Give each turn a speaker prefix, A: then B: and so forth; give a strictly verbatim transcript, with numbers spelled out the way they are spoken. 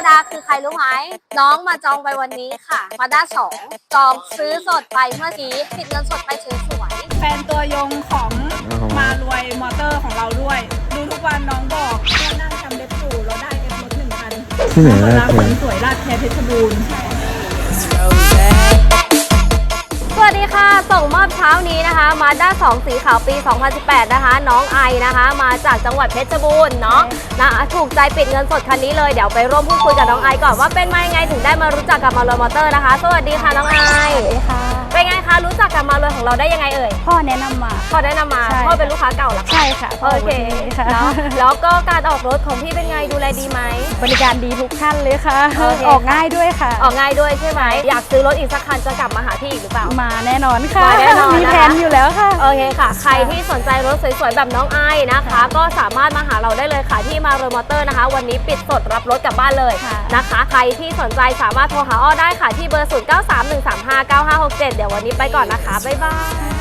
A: ดาคือใครรู้ไหมน้องมาจองไปวันนี้ค่ะมาด้าสองจองซื้อสดไปเมื่อกี้ปิดเงินสดไปสวยๆ
B: แฟนตัวยงของมารวยมอเตอร์ของเราด้วยดูทุกวันน้องบอกว่านั่งทำเล็บสูเราได้เอฟรถหนึ่งพันที่ไหนนะคนสวยราดแคร์เพชรบูรณ์
A: สวัสดีค่ะส่งมอบเช้านี้นะคะมาด้าสองสีขาวปี สองพันสิบแปด นะคะน้องไอนะคะมาจากจังหวัดเพชรบูรณ์เนาะนะถูกใจปิดเงินสดคันนี้เลยเดี๋ยวไปร่วมพูดคุยกับน้องไอก่อนว่าเป็นมายังไงถึงได้มารู้จักกับมารวยมอเตอร์นะคะสวัสดีค่ะน้องไอสวัสดีค่ะเป็นไงคะรู้จักกับมารวยของเราได้ยังไงเอ่ย
B: พ่อแนะนำมา
A: พ่อแนะนำมาพ่อเป็นลูกค้าเก่าหรอ
B: ใช่ค่ะ
A: โอเคเนาะแล้วก็การออกรถของพี่เป็นไงดูแลดีไหม
B: บริการดีทุกท่านเลยค่ะออกง่ายด้วยค่ะ
A: ออกง่ายด้วยใช่ไหมอยากซื้อรถอีกสักคันจะกลับมาหาพี่อีกหรือเปล่า
B: มาแน่นอนค่ะ
A: แน่นอน
B: มีแผนอยู่แล้วค่ะ
A: โอเคค่ะใครที่สนใจรถสวยๆแบบน้องไอนะคะก็สามารถมาหาเราได้เลยค่ะที่มารวยมอเตอร์นะคะวันนี้ปิดสดรับรถกลับบ้านเลยนะคะใครที่สนใจสามารถโทรหาอ้อได้ค่ะที่เบอร์ศูนย์ เก้า สาม หนึ่ง สาม ห้า เก้า ห้า หก เจ็ดเดี๋ยววันนี้ไปก่อนนะคะบ๊ายบาย